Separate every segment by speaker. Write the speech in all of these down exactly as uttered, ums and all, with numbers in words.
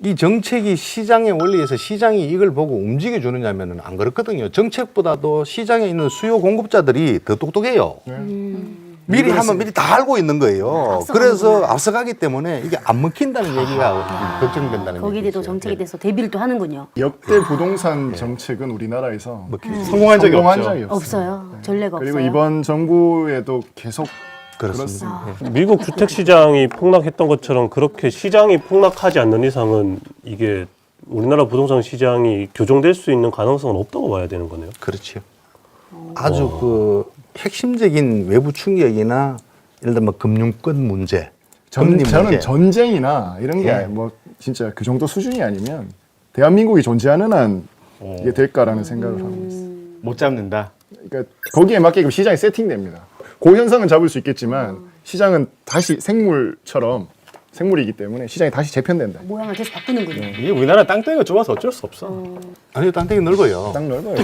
Speaker 1: 이 정책이 시장의 원리에서 시장이 이걸 보고 움직여주느냐면 안 그렇거든요. 정책보다도 시장에 있는 수요 공급자들이 더 똑똑해요.
Speaker 2: 음.
Speaker 1: 미리 하면 미리 다 알고 있는 거예요.
Speaker 2: 앞서가는구나.
Speaker 1: 그래서 앞서가기 때문에 이게 안 먹힌다는 얘기가
Speaker 2: 아,
Speaker 1: 걱정된다는
Speaker 2: 거기에
Speaker 1: 얘기죠.
Speaker 2: 대해서 정책에
Speaker 1: 예.
Speaker 2: 대해서 대비를 또 하는군요.
Speaker 3: 역대 부동산 정책은 우리나라에서
Speaker 1: 먹히죠.
Speaker 4: 성공한 적이
Speaker 3: 성공한
Speaker 4: 없죠.
Speaker 3: 적이 없어요.
Speaker 2: 없어요. 전례가
Speaker 3: 그리고
Speaker 2: 없어요.
Speaker 3: 이번 정부에도 계속
Speaker 1: 그렇습니다. 예.
Speaker 5: 미국 주택 시장이 폭락했던 것처럼 그렇게 시장이 폭락하지 않는 이상은 이게 우리나라 부동산 시장이 교정될 수 있는 가능성은 없다고 봐야 되는 거네요.
Speaker 1: 그렇죠. 아주 그 핵심적인 외부 충격이나 예를 들면 금융권 문제,
Speaker 3: 전,
Speaker 1: 금리
Speaker 3: 저는
Speaker 1: 문제.
Speaker 3: 전쟁이나 이런 게
Speaker 1: 예.
Speaker 3: 뭐 진짜 그 정도 수준이 아니면 대한민국이 존재하는 한 이게 될까라는 생각을 하고 있어요.
Speaker 4: 못 잡는다.
Speaker 3: 그러니까 거기에 맞게끔 시장이 세팅됩니다. 그 현상은 잡을 수 있겠지만 시장은 다시 생물처럼 생물이기 때문에 시장이 다시 재편된다.
Speaker 2: 모양을 계속 바꾸는군요.
Speaker 4: 이게 우리나라 땅덩이가 좁아서 어쩔 수 없어.
Speaker 1: 아니 땅덩이 넓어요.
Speaker 3: 딱 넓어요.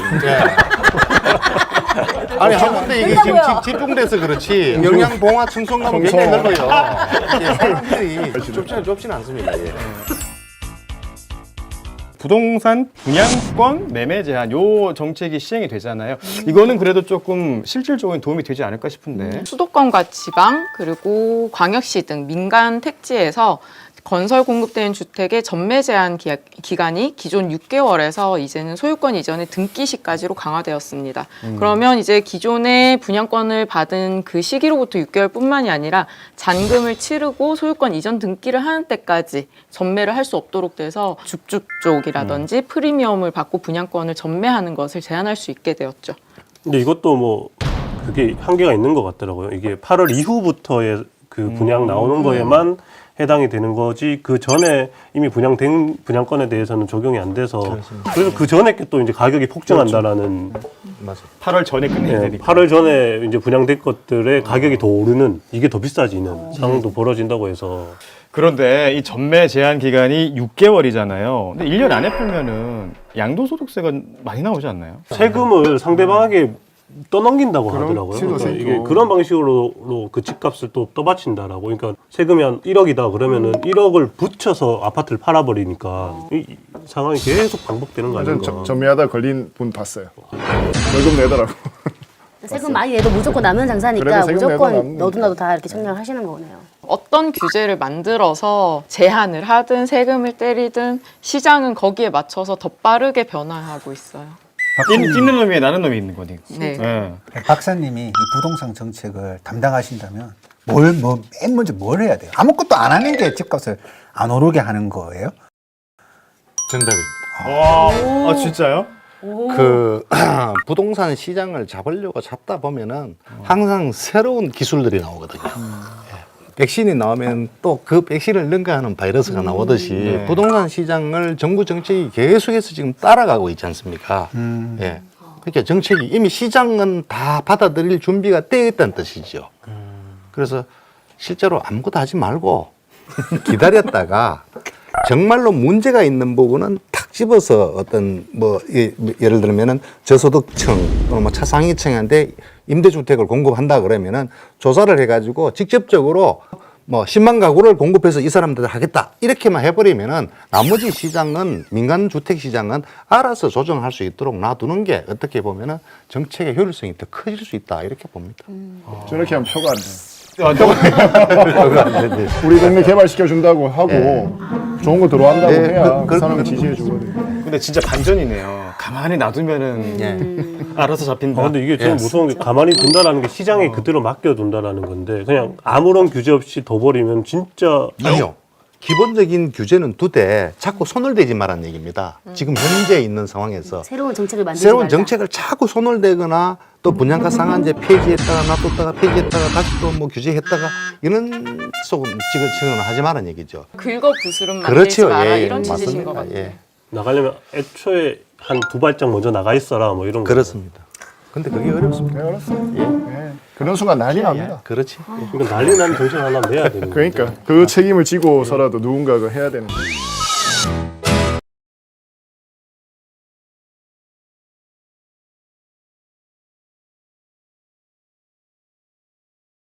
Speaker 1: 아니 한 군데 이게 지금 집, 집중돼서 그렇지 영양 봉화 층송 가면 굉장히 넓어요. 예, 사람들이 좁지는 좁지는 않습니다. 예.
Speaker 4: 부동산 분양권 매매 제한 요 정책이 시행이 되잖아요. 이거는 그래도 조금 실질적인 도움이 되지 않을까 싶은데.
Speaker 6: 수도권과 지방 그리고 광역시 등 민간 택지에서 건설 공급되는 주택의 전매 제한 기, 기간이 기존 육 개월에서 이제는 소유권 이전의 등기 시까지로 강화되었습니다. 음. 그러면 이제 기존의 분양권을 받은 그 시기로부터 육 개월뿐만이 아니라 잔금을 치르고 소유권 이전 등기를 하는 때까지 전매를 할 수 없도록 돼서 줍줍 쪽이라든지 음. 프리미엄을 받고 분양권을 전매하는 것을 제한할 수 있게 되었죠.
Speaker 5: 근데 이것도 뭐 그게 한계가 있는 것 같더라고요. 이게 팔월 이후부터의 그 분양 나오는 거에만 해당이 되는 거지 그 전에 이미 분양된 분양권에 대해서는 적용이 안 돼서
Speaker 1: 그렇습니다.
Speaker 5: 그래서 그 전에 게 또 이제 가격이 폭증한다라는
Speaker 1: 맞아요.
Speaker 4: 팔월 전에 끝내야
Speaker 5: 네,
Speaker 4: 되니까.
Speaker 5: 팔월 전에 이제 분양된 것들의 가격이 더 오르는 이게 더 비싸지는 상황도 벌어진다고 해서
Speaker 4: 그런데 이 전매 제한 기간이 육 개월이잖아요. 근데 일 년 안에 풀면은 양도소득세가 많이 나오지 않나요?
Speaker 5: 세금을 상대방에게 떠넘긴다고
Speaker 3: 그런
Speaker 5: 하더라고요.
Speaker 3: 식으로
Speaker 5: 그러니까
Speaker 3: 생기고.
Speaker 5: 이게 그런 방식으로 그 집값을 또 떠받친다라고. 그러니까 세금이 한 일억이다 그러면은 일억을 붙여서 아파트를 팔아버리니까 이, 이 상황이 계속 반복되는 거
Speaker 3: 완전
Speaker 5: 아닌가.
Speaker 3: 저- 전매하다 걸린 분 봤어요. 월급 내더라고.
Speaker 2: 세금 많이 내도 무조건 남는 장사니까
Speaker 3: 그래도 세금 내도
Speaker 2: 무조건
Speaker 3: 남는
Speaker 2: 너도 나도 다 이렇게 청량을 하시는 거네요.
Speaker 6: 어떤 규제를 만들어서 제한을 하든 세금을 때리든 시장은 거기에 맞춰서 더 빠르게 변화하고 있어요.
Speaker 4: 뛰는, 뛰는 놈 위에 나는 놈이 있는 거니까.
Speaker 6: 네.
Speaker 4: 네.
Speaker 7: 박사님이 이 부동산 정책을 담당하신다면 뭘, 뭐, 맨 먼저 뭘 해야 돼요? 아무것도 안 하는 게 집값을 안 오르게 하는 거예요?
Speaker 1: 정답입니다.
Speaker 4: 와, 아 진짜요?
Speaker 1: 그 부동산 시장을 잡으려고 잡다 보면은 항상 새로운 기술들이 나오거든요. 예. 백신이 나오면 또 그 백신을 능가하는 바이러스가 나오듯이
Speaker 4: 네.
Speaker 1: 부동산 시장을 정부 정책이 계속해서 지금 따라가고 있지 않습니까?
Speaker 7: 음.
Speaker 1: 예. 그러니까 정책이 이미 시장은 다 받아들일 준비가 되어 있다는 뜻이죠. 그래서 실제로 아무것도 하지 말고 기다렸다가 정말로 문제가 있는 부분은 탁 집어서 어떤 뭐 예, 예를 들면은 저소득층 또는 뭐 차상위층한테 임대주택을 공급한다 그러면은 조사를 해가지고 직접적으로 뭐 십만 가구를 공급해서 이 사람들 하겠다 이렇게만 해버리면은 나머지 시장은 민간 주택 시장은 알아서 조정할 수 있도록 놔두는 게 어떻게 보면은 정책의 효율성이 더 커질 수 있다 이렇게 봅니다.
Speaker 3: 저렇게 하면 표가 안 돼.
Speaker 4: 아, 또-
Speaker 3: 우리 동네 개발시켜 준다고 하고 좋은 거 들어간다고
Speaker 1: 네,
Speaker 3: 해야
Speaker 1: 그-
Speaker 3: 그,
Speaker 1: 그-
Speaker 3: 사람을 지지해 주거든요.
Speaker 4: 근데 진짜 반전이네요. 가만히 놔두면은
Speaker 1: 예.
Speaker 4: 알아서 잡힌다.
Speaker 5: 아, 근데 이게 제일 무서운 게 가만히 둔다라는 게 시장에 그대로 맡겨둔다라는 건데 그냥 아무런 규제 없이 둬버리면 진짜
Speaker 1: 아니요. 기본적인 규제는 두되 자꾸 손을 대지 말라는 얘기입니다. 지금 현재 있는 상황에서
Speaker 2: 새로운 정책을 만들지
Speaker 1: 새로운
Speaker 2: 말라.
Speaker 1: 정책을 자꾸 손을 대거나 또 분양가 상한제 폐지했다가 놔뒀다가 폐지했다가 다시 또 뭐 규제했다가 이런 속은 지금 지금 하지 말라는 얘기죠.
Speaker 6: 긁어 부스름 만들지
Speaker 1: 그렇죠.
Speaker 6: 마라
Speaker 1: 예,
Speaker 6: 이런 취지신 것
Speaker 1: 맞습니다.
Speaker 6: 같아요.
Speaker 1: 예.
Speaker 5: 나가려면 애초에 한 두 발짝 먼저 나가 있어라 뭐 이런 거.
Speaker 1: 그렇습니다. 근데 그게 어렵습니다.
Speaker 3: 네, 알았어요. 예. 그런 순간 난리 납니다.
Speaker 1: 그렇지.
Speaker 5: 그러니까 난리 나는 정책 하나 내야 되는 거예요.
Speaker 3: 그러니까 그 책임을 지고서라도 누군가가 해야 되는 거예요.